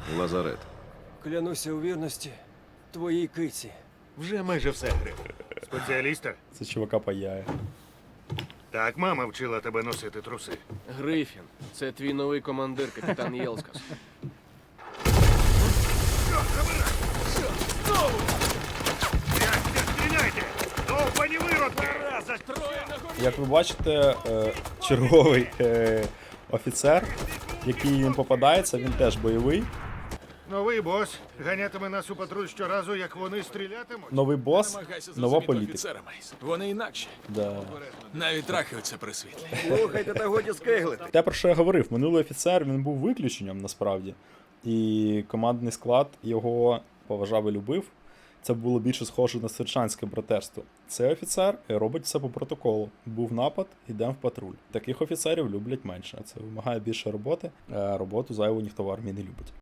Лазарет. Клянуся у вірності твоїй киці. Вже майже все, Гриф. Спеціаліста? Це чувака паяє. Так, мама вчила тебе носити труси. Грифін, це твій новий командир, капітан Єлскас. Стріляйте! Довбані виродки! Як ви бачите, черговий офіцер, який їм попадається, він теж бойовий. Новий бос ганятиме нас у патруль щоразу, як вони стрілятимуть. Новий бос, Намагайся нова зрозуміти політика. офіцера, Мейс. Вони інакші. Да. Навіть трахаються при світлі. Слухайте та годі скиглити. Те, про що я говорив, минулий офіцер, він був виключенням насправді. І командний склад його поважав і любив. Це було більше схоже на сержантське братерство. Цей офіцер робить все по протоколу. Був напад, йдемо в патруль. Таких офіцерів люблять менше. Це вимагає більше роботи, а роботу зайву ніхто в армії не любить.